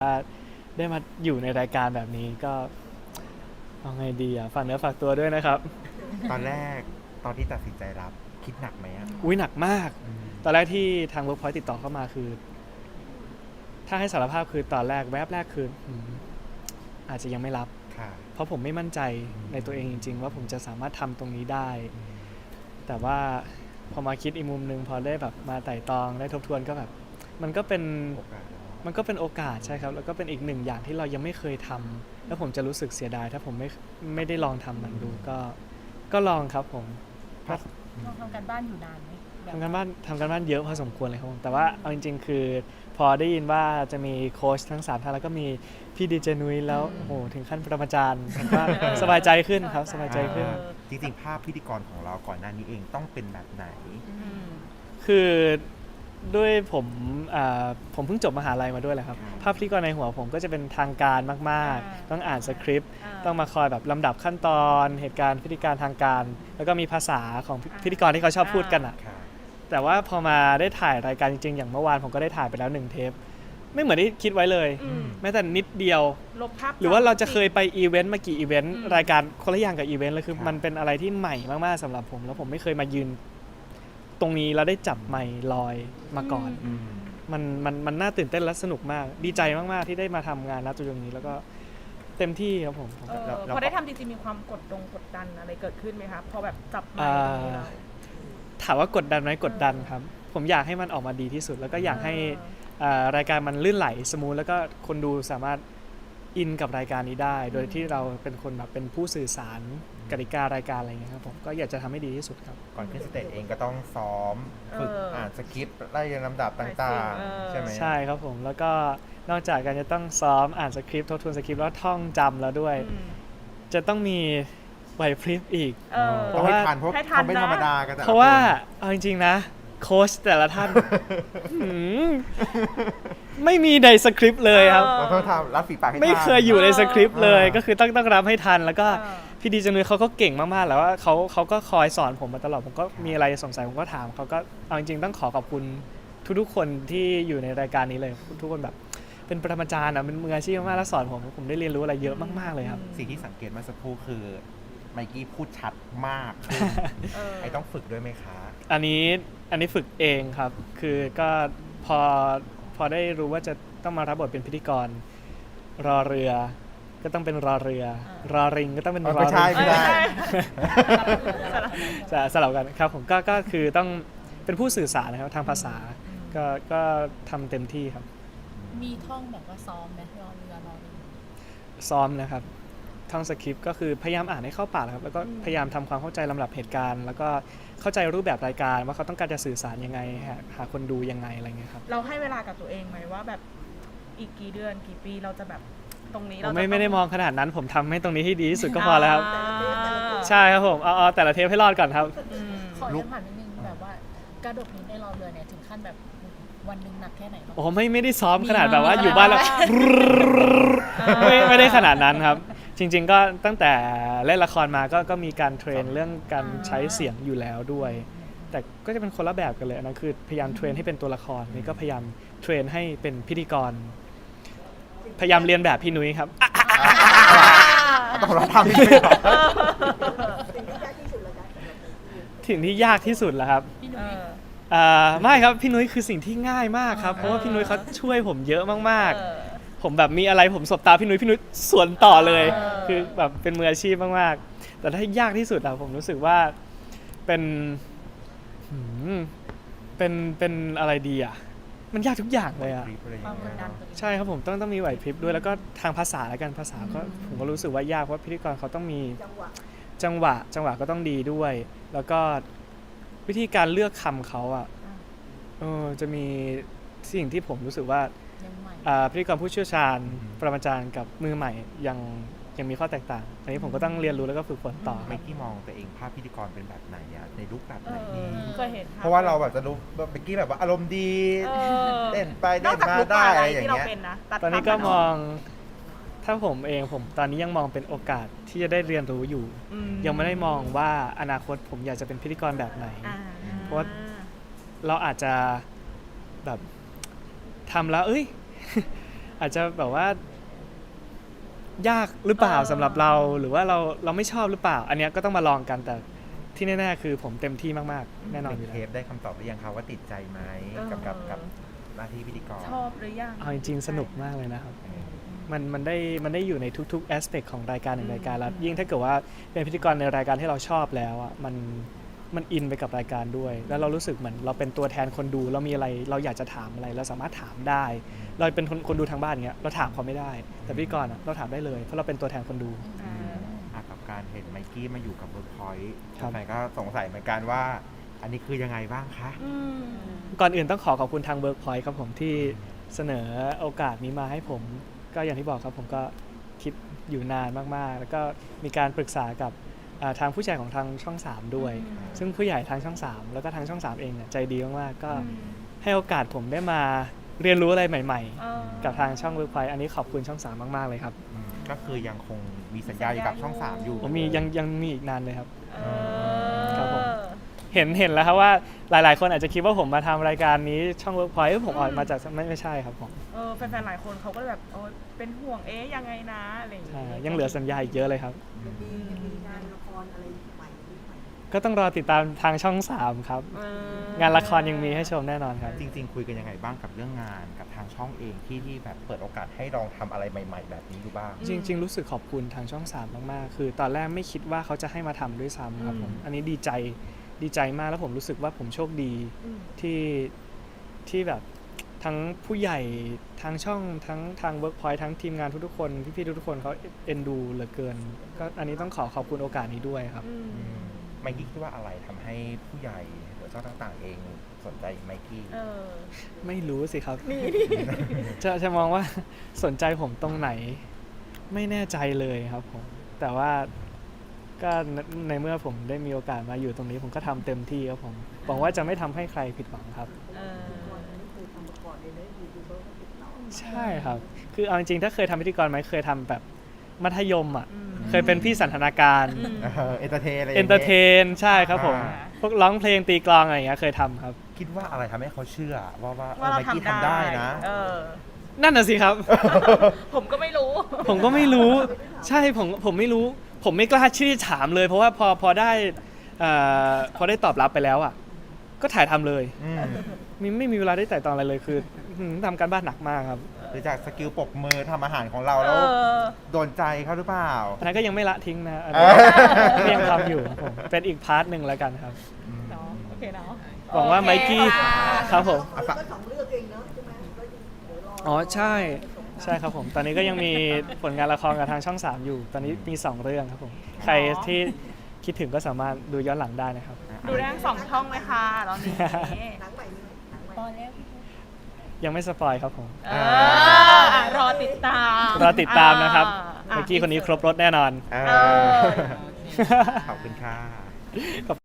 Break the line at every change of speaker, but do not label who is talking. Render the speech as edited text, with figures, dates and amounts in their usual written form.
ได้มาอยู่ในรายการแบบนี้ก็เอาไงดีฝากเนื้อฝากตัวด้วยนะครับ
ตอนแรกตอนที่ตัดสินใจรับคิดหนักไหมอ่ะ
อุ้ยหนักมากตอนแรกที่ทาง Workpoint ติดต่อเข้ามาคือถ้าให้สารภาพคือตอนแรกแวบแรกคืออาจจะยังไม่รับเพราะผมไม่มั่นใจในตัวเองจริงๆว่าผมจะสามารถทำตรงนี้ได้แต่ว่าพอมาคิดอีกมุมนึงพอได้แบบมาไต่ตองได้ทบทวนก็แบบมันก็เป็นโอกาสใช่ครับแล้วก็เป็นอีกหนึ่งอย่างที่เรายังไม่เคยทำแล้วผมจะรู้สึกเสียดายถ้าผมไม่ได้ลองทำมันดูก็ลองครับผม
ลองทำการบ้านอยู่นานไหม
ทำการบ้านเยอะพอสมควรเลยครับผมแต่ว่าเอาจริงๆคือพอได้ยินว่าจะมีโค้ชทั้ง3ท่านแล้วก็มีพี่ดีเจนุ้ยแล้วโอ้โหถึงขั้นปรมาจารย์ผมก็สบายใจขึ้นครับสบายใจขึ้น
จริงๆภาพพิธีกรของเราก่อนหน้านี้เองต้องเป็นแบบไหน
คือด้วยผมเพิ่งจบมหาลัยมาด้วยแหละครับภาพพิธีกรในหัวผมก็จะเป็นทางการมากๆต้องอ่านสคริปต์ต้องมาคอยแบบลำดับขั้นตอนเหตุการณ์พิธีการทางการแล้วก็มีภาษาของพิธีกรที่เขาชอบพูดกันแต่ว่าพอมาได้ถ่ายรายการจริงๆอย่างเมื่อวานผมก็ได้ถ่ายไปแล้ว1 เทปไม่เหมือนที่คิดไว้เลยแม้แต่นิดเดียวหรือว่าเราจะเคยไปอีเวนต์มากี่อีเวนต์รายการคนละอย่างกับอีเวนต์เลยคือมันเป็นอะไรที่ใหม่มากๆสำหรับผมแล้วผมไม่เคยมายืนตรงนี้แล้วได้จับไมค์ลอยมาก่อนมันน่าตื่นเต้นและสนุกมากดีใจมากๆที่ได้มาทำงานณจุดนี้แล้วก็เต็มที่ครับผม
พอได้ทำจริงๆมีความกดดันอะไรเกิดขึ้นไหมครับพอแบบจับไมค์ตรงนี้แล้ว
ถามว่ากดดันไหมกดดันครับผมอยากให้มันออกมาดีที่สุดแล้วก็อยากให้รายการมันลื่นไหลสมูทแล้วก็คนดูสามารถอินกับรายการนี้ได้โดยที่เราเป็นคนแบบเป็นผู้สื่อสารกติการายการอะไรเงี้ยครับผมก็อยากจะทำให้ดีที่สุดครับ
ก่อนขึ้นสเตจเองก็ต้องซ้อมฝึกอ่านสคริปต์ไล่เรียงลำดับต่างๆใช่ไหม
ใช่ครับผมแล้วก็นอกจากการจะต้องซ้อมอ่านสคริปต์ทบทวนสคริปต์แล้วท่องจำแล้วด้วยจะต้องมีไหวพริบอีก
เพราะว่าเขาไม่ธรรมดากัน
เพราะว่าเอาจริงๆนะโค้ชแต่ละท่านไม่มีในสคริปต์เลยครับ
เราต้องทำรับฝีปากให้ทัน
ไม่เคยอยู่ในสคริปต์เลยก็คือต้องรับให้ทันแล้วก็พี่ดีจังเลยเขาก็เก่งมากๆแล้วว่าเขาก็คอยสอนผมมาตลอดผมก็มีอะไรสงสัยผมก็ถามเขาก็เอาจริงๆต้องขอบคุณทุกๆคนที่อยู่ในรายการนี้เลยทุกคนแบบเป็นปรมาจารย์เป็นมืออาชีพมากๆแล้วสอนผมได้เรียนรู้อะไรเยอะมากๆเลยครับ
สิ่งที่สังเกตเมื่อสักครู่คือไมกี้พูดชัดมากไอต้องฝึกด้วยไหมคะ
อันนี้ฝึกเองครับคือก็พอได้รู้ว่าจะต้องมารับบทเป็นพิธีกรรอเรือก็ต้องเป็นรอเรือรอริงก็ต้องเป็นรอริง
ไม่ใช่
สลับกันครับผมก็คือต้องเป็นผู้สื่อสารนะครับทางภาษาก็ทำเต็มที่ครับ
มีท่องแบบว่าซ้อมไหมรอเรือรอริง
ซ้อมนะครับท่องสคริปต์ก็คือพยายามอ่านให้เข้าปากครับแล้วก็พยายามทำความเข้าใจลำดับเหตุการณ์แล้วก็เข้าใจรูปแบบรายการว่าเขาต้องการจะสื่อสารยังไงหาคนดูยังไงอะไรเงี้ยครับ
เราให้เวลากับตัวเองไหมว่าแบบอีกกี่เดือนกี่ปีเราจะแบบตรงนี้เรา
ไม่ได้มองขนาดนั้นผมทำให้ตรงนี้ให้ดีที่สุดก็พอแล้วครับใช่ครับผมเอาแต่ละเทปให้รอดก่อนครับ
ขอเรื่องผ่านนิดนึงแบบว่ากระโดดนี้ในรอเรือเนี่ยถึงขั้นแบบวันนึงหนักแค่ไหน
โอ้ไม่ได้ซ้อมขนาดแบบว่าอยู่บ้านแล้วไม่ได้ขนาดนั้นครับจริงๆก็ตั้งแต่เล่นละครมาก็มีการเทรนเรื่องการใช้เสียงอยู่แล้วด้วยแต่ก็จะเป็นคนละแบบกันเลยนะคือพยายามเทรนให้เป็นตัวละครนี่ก็พยายามเทรนให้เป็นพิธีกรพยายามเรียนแบบพี่นุ้ยครับ
ต้องทำที่
สิ่งที่ยากที่สุดแล้วครับไม่ครับพี่นุ้ยคือสิ่งที่ง่ายมากครับเพราะว่าพี่นุ้ยเขาช่วยผมเยอะมากๆผมแบบมีอะไรผมสบตาพี่นุ้ยสวนต่อเลยคือแบบเป็นมืออาชีพมากๆแต่ถ้ายากที่สุดผมรู้สึกว่าเป็นอะไรดีมันยากทุกอย่างเลยใช่ครับผมต้องมีไหวพริบด้วยแล้วก็ทางภาษาแล้วกันภาษาก็ผมก็รู้สึกว่ายากเพราะพิธีกรเขาต้องมีจังหวะก็ต้องดีด้วยแล้วก็วิธีการเลือกคำเขาจะมีสิ่งที่ผมรู้สึกว่าพิธีกรผู้เชี่ยวชาญปรมาจารย์กับมือใหม่ยังมีข้อแตกต่างอันนี้ผมก็ต้องเรียนรู้แล้วก็ฝึกฝนต่อ
ไมกี้มองตัวเองภาพพิธีกรเป็นแบบไหนในรูปแบบไหน
เคยเห็น
เพราะว่าเราแบบจะรู้ไมกี้แบบว่าอารมณ์ดีเต้นไปเต้นมาได้อะไรอย่างเงี้ย
ตอนนี้ก็มองถ้าผมตอนนี้ยังมองเป็นโอกาสที่จะได้เรียนรู้อยู่ยังไม่ได้มองว่าอนาคตผมอยากจะเป็นพิธีกรแบบไหนเพราะว่าเราอาจจะแบบทำแล้วอาจจะแบบว่ายากหรือเปล่าสำหรับเราหรือว่าเราไม่ชอบหรือเปล่า อันเนี้ยก็ต้องมาลองกันแต่ที่แน่ๆคือผมเต็มที่มากๆแน่นอนอยู่
เท
แล้ว
ปได้คำตอบหรือยังคะว่าติดใจไหมกับหน้าที่พิธีกร
ชอบหรือยัง
เอาจริงๆสนุกมากเลยนะครับ มันได้อยู่ในทุกๆแอสเปกของรายการหนึ่งรายการแล้วยิ่งถ้าเกิดว่าเป็นพิธีกรในรายการที่เราชอบแล้วอ่ะมันอินไปกับรายการด้วย แล้วเรารู้สึกเหมือนเราเป็นตัวแทนคนดูเรามีอะไรเราอยากจะถามอะไรเราสามารถถามได้ เราเป็นคนดูทางบ้านอย่างเงี้ยเราถามเขาไม่ได้ แต่พิธีกรอ่ะเราถามได้เลยเพราะเราเป็นตัวแทนคนดู
กับการเห็นไมกี้มาอยู่กับเวิร์กพอยต์
ครับ
แฟนก็สงสัยเหมือนกันว่า อันนี้คือยังไงบ้างคะ
ก่อนอื่นต้องขอบคุณทาง Workpoint ครับผมที่เสนอโอกาสนี้มาให้ผม ก็อย่างที่บอกครับผมก็คิดอยู่นานมากๆ แล้วก็มีการปรึกษากับทางผู้ใหญ่ของทางช่อง 3 ด้วย ซึ่งผู้ใหญ่ทางช่อง 3 แล้วก็ทางช่อง 3 เองเนี่ยใจดีมากๆก็ให้โอกาสผมได้มาเรียนรู้อะไรใหม่ๆ กับทางช่อง Workpoint อันนี้ขอบคุณช่อง 3 มากๆเลยครับ
ก็คือยังคงมีสัญญาอยู่กับช่อง 3 อยู่
ผมมียังมีอีกนานเลยครับ ครับผม
เออ
เห็นแล้วครับว่าหลายๆ คนอาจจะคิดว่าผมมาทำรายการนี้ช่อง Workpoint ผมออกมาจากไม่ใช่ครับผม
แฟนๆหลายคนเขาก็เลยแบบเป็นห่วงยังไงนะอะไรอย่าง
ใช่
เงี้ย
ยังเหลือสัญญาอีกเยอะเลยครับ
มีงานละครอะไรใหม่ไหม
ก็ต้องรอติดตามทางช่อง 3 ครับ งานละครยังมีให้ชมแน่นอนครับ
จริงๆ คุยกันยังไงบ้างกับเรื่องงานกับทางช่องเองที่แบบเปิดโอกาสให้ลองทำอะไรใหม่ ๆ แบบนี้ดูบ้าง
จริง ๆ รู้สึกขอบคุณทางช่อง 3 มากๆ คือตอนแรกไม่คิดว่าเขาจะให้มาทำด้วยซ้ำครับผม อันนี้ดีใจมากแล้วผมรู้สึกว่าผมโชคดีที่แบบทั้งผู้ใหญ่ทางช่องทั้งทาง Workpoint ทั้งทีมงานทุกๆคนพี่ๆทุกๆคนเขาเอ็นดูเหลือเกิน ก็อันนี้ต้องขอบคุณโอกาสนี้ด้วยครับ
ไมกี้คิดว่าอะไรทำให้ผู้ใหญ่หรือเจ้าต่างๆ เองสนใจไมกี้
ไม่รู้สิครับ จะมองว่าสนใจผมตรงไหนไม่แน่ใจเลยครับผม แต่ว่าก็ในเมื่อผมได้มีโอกาสมาอยู่ตรงนี้ผมก็ทำเต็มที่ครับผมหวังว่าจะไม่ทำให้ใครผิดหวังครับ
ก่อนไม่เคยทำมาก่อนเลยนะยูทูบเบอร์ก็ติดต่อ
ใช่ครับ คือเอาจริงๆถ้าเคยทำพิธีกรไหมเคยทำแบบมัธยมอ่ะ เคยเป็นพี่สันทนาการ
เอนเตอร์เทนอะไร
เอนเตอร์เทนใช่ครับผม พวกร้องเพลงตีกลองอะไรอย่างเงี้ยเคยทำครับ
คิดว่าอะไรทำให้เขาเชื่อว่า
ว่า
ไม
เรา
กี้
ทำ
ทำได้นะ
นั่นน่ะสิครับ
ผมก็ไม่รู้
ผมก็ไม่รู้ ใช่ผมไม่รู้ ผมไม่กล้าที่จะถามเลย เพราะว่าพอได้ตอบรับไปแล้วอ่ะก็ถ่ายทำเลย ไม่มีเวลาได้ไต่ตองอะไรเลยคือทำการบ้านหนักมากครับ
หรือจากสกิลปรบมือทำอาหารของเราแล้วโดนใจเขาหรือเปล่า
อันนั้นก็ยังไม่ละทิ้งนะอัน
เอ
นี้
อ
ก็ยังทำอยู่ครับผมเป็นอีกพาร์ทหนึ่งแล้วกันครับ
เนาะโอเคเนาะ
หวังว่าไมกี้ครับผม
ก็สองเรื่องเองเนอะใช่ไหมก็เดี๋ยวรอ
อ๋อใช่ครับผม ตอนนี้ก็ยังมีผลงานละครกับทางช่อง 3 อยู่ ตอนนี้มี 2 เรื่องครับผม ใครที่คิดถึงก็สามารถดูย้อนหลังได้นะครับ
ดูได้ทั้ง2 ช่องเลยค่ะตอนนี้
หนังใหม่มีไหมหนังใหม่
ตอนแรก
ยังไม่สปอยครับผม
รอติดตาม
รอติดตามนะครับเมื่อกี้คนนี้ครบรถแน่นอน
เอ
เอ
อ
อ
ขอบคุณค่ะ
ขอบ